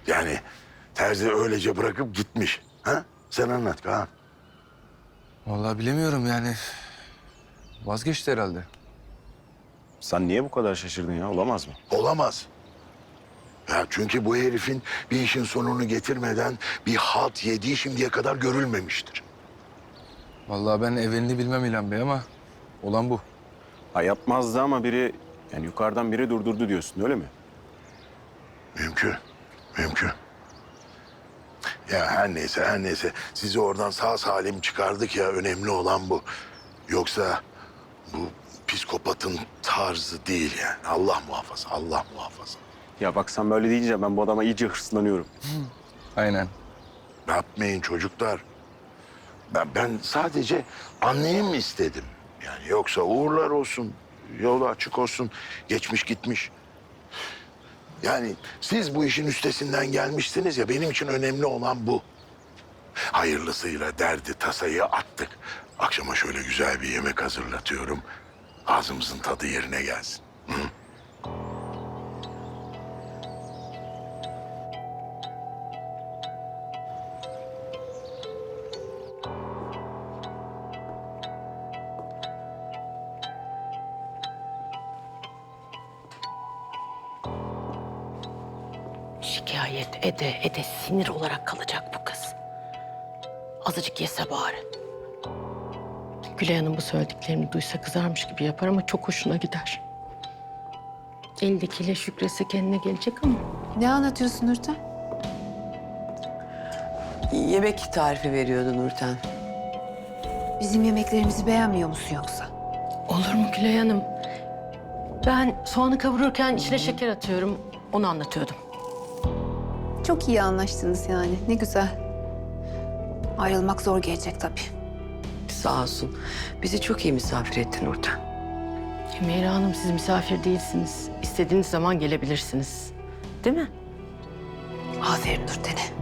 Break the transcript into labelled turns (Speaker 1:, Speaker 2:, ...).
Speaker 1: Yani terzi öylece bırakıp gitmiş. Ha? Sen anlat Kaan.
Speaker 2: Vallahi bilemiyorum yani. Vazgeçti herhalde.
Speaker 3: Sen niye bu kadar şaşırdın ya? Olamaz mı?
Speaker 1: Olamaz. Ya çünkü bu herifin bir işin sonunu getirmeden bir halt yediği şimdiye kadar görülmemiştir.
Speaker 2: Vallahi ben evvelini bilmem İlhan Bey ama olan bu.
Speaker 3: Ha yapmazdı ama biri, yani yukarıdan biri durdurdu diyorsun öyle mi?
Speaker 1: Mümkün, mümkün. Ya her neyse, her neyse. Sizi oradan sağ salim çıkardık ya, önemli olan bu. Yoksa bu psikopatın tarzı değil yani. Allah muhafaza, Allah muhafaza.
Speaker 3: Ya bak sen böyle deyince ben bu adama iyice hırslanıyorum.
Speaker 2: Aynen.
Speaker 1: Yapmayın çocuklar. Ben sadece anlayayım istedim. Yani yoksa uğurlar olsun, yolu açık olsun, geçmiş gitmiş. Yani siz bu işin üstesinden gelmişsiniz ya, benim için önemli olan bu. Hayırlısıyla derdi, tasayı attık. Akşama şöyle güzel bir yemek hazırlatıyorum. Ağzımızın tadı yerine gelsin. Hı?
Speaker 4: Şikayet ede sinir olarak kalacak bu kız. Azıcık yese bari. Gülay Hanım bu söylediklerini duysa kızarmış gibi yapar ama çok hoşuna gider. Eldekiyle şükrese kendine gelecek ama.
Speaker 5: Ne anlatıyorsun Nurten?
Speaker 6: Yemek tarifi veriyordu Nurten.
Speaker 5: Bizim yemeklerimizi beğenmiyor musun yoksa?
Speaker 4: Olur mu Gülay Hanım? Ben soğanı kavururken içine şeker atıyorum. Onu anlatıyordum.
Speaker 5: Çok iyi anlaştınız yani. Ne güzel. Ayrılmak zor gelecek tabii.
Speaker 6: Sağ olsun. Bizi çok iyi misafir etti Nurten.
Speaker 4: Meyra Hanım siz misafir değilsiniz. İstediğiniz zaman gelebilirsiniz. Değil mi?
Speaker 5: Aferin Nurten'e.